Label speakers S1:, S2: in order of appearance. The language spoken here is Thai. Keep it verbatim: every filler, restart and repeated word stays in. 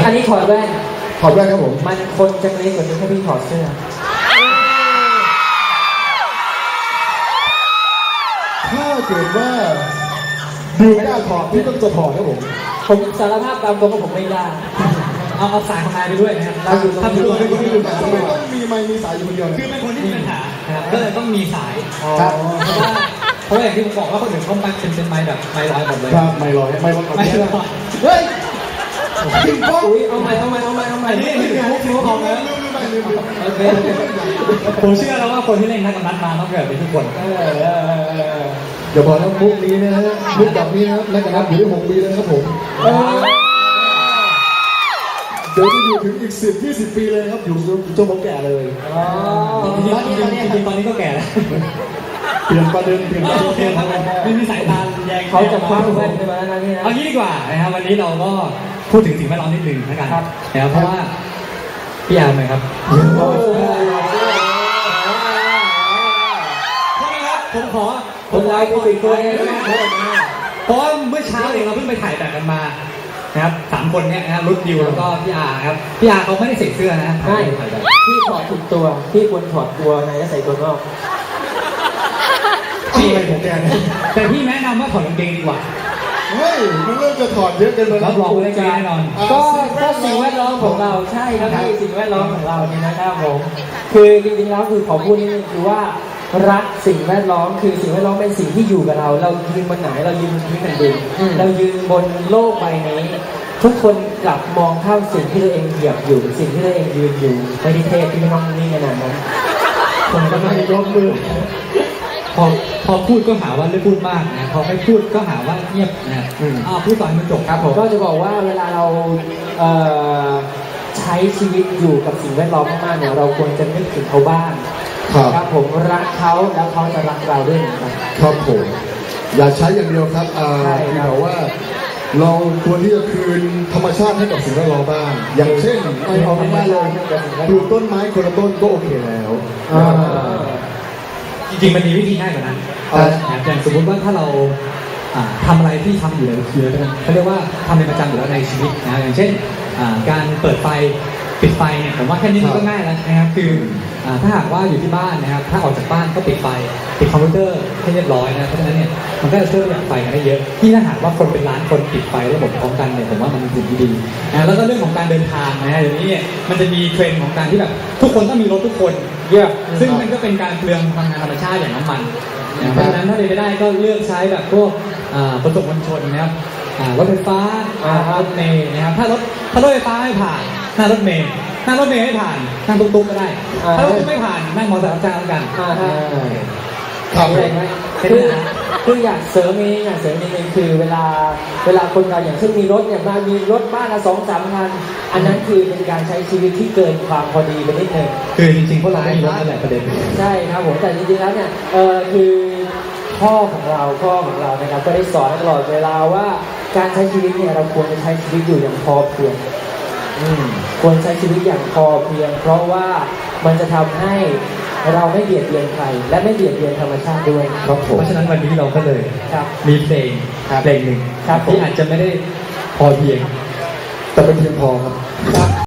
S1: อันนี้ถอดแว่น
S2: ถอดแว่นครับผม
S1: มันคนจะเล็กกว่านี้ถ้าพี่ถอดเสื้อ
S2: ถ้าเกิดว่าดูไม่ได้ถอดพี่ต้องจะถอดครับผม
S1: ผมสารภาพตามตรงว่าผมไม่ได้
S3: เอาเอาสายของนายไปด้วยนะครับเราอยู่ตรงนี้ด้วย
S2: ไม่ต้องมีไมค์มีสายอยู่คนเดียว
S3: คือเป็นคนที่มีปัญหาก็เลยต้องมีสายครับเพราะว่าเพราะอย่างที่ผมบอกว่าคนอื่นเขาไปเป็นเป็นไม้แบบไม้ร้อยหมดเลย
S2: ครับไม้ร้อยไม้ร้อย
S3: ไม้ร้อย
S2: เฮ้ยจริงป่ะ
S1: อุ้ยเอาใหม่เอาใหม่เอาใหม่เอาใหม่
S3: นี่นี่คือพวกที่พวกเขานะผมเชื่อแล้วว่าคนที่เล่นนักกำนัดมาต้องเกิดเป็นทุกคน
S2: เดี๋ยวพอแล้วมุกนี้นะฮะมุกแบบนี้นะนักกำนัดอยู่ได้หกปีแล้วครับผมเดี๋ยวจะอยู่ถึงอีกสิบยี่สิบปีเลยครับอยู่จนผมแก่เลย
S3: อ๋อจริงๆจริงๆตอนนี้ก็แก่แล้ว
S2: เปลี่ยนประเด็นเปลี่ยนประเด็น
S3: ไม่มีสายตาแยง
S1: เขาจะคว้าแว่นไปมาแล้วนี่นะ
S3: เอางี้ดีกว่านะครับวันนี้เราก็พูดถึงสิ่งแวดล้อมนิดนึงนะครับนะครับเพราะว่าพี่อาร์มเลยครับโทษนะครับผมขอ
S1: ผมไลฟ์ผู้ติดตัวเอง
S3: เพราะว่าเมื่อเช้าเองเราเพิ่งไปถ่ายแบบกันมานะครับสามคนเนี่ยนะครับรุ่นดิวแล้วก็พี่อาร์ครับพี่อาร์เขาไม่ได้ใส่เสื้อนะ
S1: ใช่พี่ถอดถูกตัวพี่ควรถอดตัวในแล้วใส่ตัวนอก
S2: พี่อะไรของแกเนี่ย
S3: แต่พี่แนะนำว่าถอดกางเกงดีกว่า
S2: เฮ้ยมันเริ่มจะถอดเยอะเกินไป
S3: แล้วรับรองได้แน่นอน
S1: ก็ก็สิ่งแวดล้อมของเราใช่ครับพี่สิ่งแวดล้อมของเราเนี่ยนะครับผมคือจริงๆแล้วคือขอพูดนี่คือว่ารักสิ่งแวดล้อมคือสิ่งแวดล้อมเป็นสิ่งที่อยู่กับเราเรายืนบนไหนเรายืนบนพื้นแผ่นดินเรายืนบนโลกใบนี้ทุกคนกลับมองข้ามสิ่งที่ตัวเองเหยียบอยู่สิ่งที่ตัวเองยืนอยู่ไม่ได้เทพที่ไม่ต้องนี่ขนาดนั้น
S2: ผมก็ไม่ยกมือ
S3: พอพอพูดก็หาว่าไม่พูดมากนะพอไม่พูดก็หาว่าเงียบนะอ้าวพูดต่อให้มันจบ
S1: ครับผมก็จะบอกว่าเวลาเราใช้ชีวิตอยู่กับสิ่งแวดล้อมมากๆเนี่ยเราควรจะนึกถึงเขาบ้างครับผมรักเขาแล้วเขาจะรักเราด้วยนะครับ
S2: ครับผมอย่าใช้อย่างเดียวครับอ่าที่บอกว่าเราควรที่จะคืนธรรมชาติให้กับสิ่งแวดล้อมบ้างอย่างเช่นไม่เอาไม่ได้เลยปลูกต้นไม้คนละต้นก็โอเคแล้ว
S3: จริงๆมันมีวิธีง่ายกว่านั้นอย่างสมมติว่าถ้าเราทำอะไรที่ทำอยู่แล้วคือเขาเรียกว่าทำเป็นประจำอยู่แล้วในชีวิตนะอย่างเช่นการเปิดไฟปิดไฟเนี่ยผมว่าแค่นี้มันก็ง่ายแล้วนะครับคือถ้าหากว่าอยู่ที่บ้านนะครับถ้าออกจากบ้านก็ปิดไฟปิดคอมพิวเตอร์ให้เรียบร้อยนะเพราะฉะนั้นเนี่ยมันก็จะช่วยประหยัดไฟกันได้เยอะที่ถ้าหากว่าคนเป็นล้านคนปิดไฟระบบพร้อมกันเนี่ยผมว่ามันเป็นสิ่งที่ดีนะแล้วก็เรื่องของการเดินทางนะเดี๋ยวนี้เนี่ยมันจะมีเทรนด์ของการที่แบบทุกคนต้องมีรถทุกคนเยอะซึ่งมันก็เป็นการเปลืองพลังงานธรรมชาติอย่างน้ำมันเพราะฉะนั้นถ้าเป็นไปได้ก็เลือกใช้แบบพวกขนส่งมวลชนนะครับรถไฟฟ้ารถเมล์นะครับถ้ารถถ้ารถไฟฟ้าไม่ผ่านนั่งรถเมล์นั่งรถเมล์ไม่ผ่านนั่งตุ๊กๆก็ได้ถ้ารถไม่ผ่านนั่งมอเตอร์ไซค์รับจ้างแล้วกัน
S1: ครับเลยไหมคือคืออยากเสริมนี้อยากเสริมนิดนึงคือเวลาเวลาคนเราอย่างเช่นมีรถเนี่ยมามีรถบ้านละสองสามคันอันนั้นคือเป็นการใช้ชีวิตที่เกินความพอดีไปนิดนึง
S3: คือจริงๆพวกเราไม่มีรถนั่นแหละประเด็น
S1: ใช่ครับผมแต่จริงๆแล้วเนี่ยเออคือพ่อของเราพ่อของเรานะครับก็ได้สอนตลอดเวลาว่าการใช้ชีวิตเนี่ยเราควรจะใช้ชีวิตอยู่อย่างพอเพียงควรใช้ชีวิตอย่างพอเพียงเพราะว่ามันจะทำให้เราไม่เบียดเบียนใครและไม่เบียดเบียนธรรมชาติด้วย
S3: ครับผมเพราะฉะนั้นวันนี้เราก็เลยมีเพลงเพลงหนึ่งที่อาจจะไม่ได้พอเพียง
S2: แต่เป็นเพียงพอครับ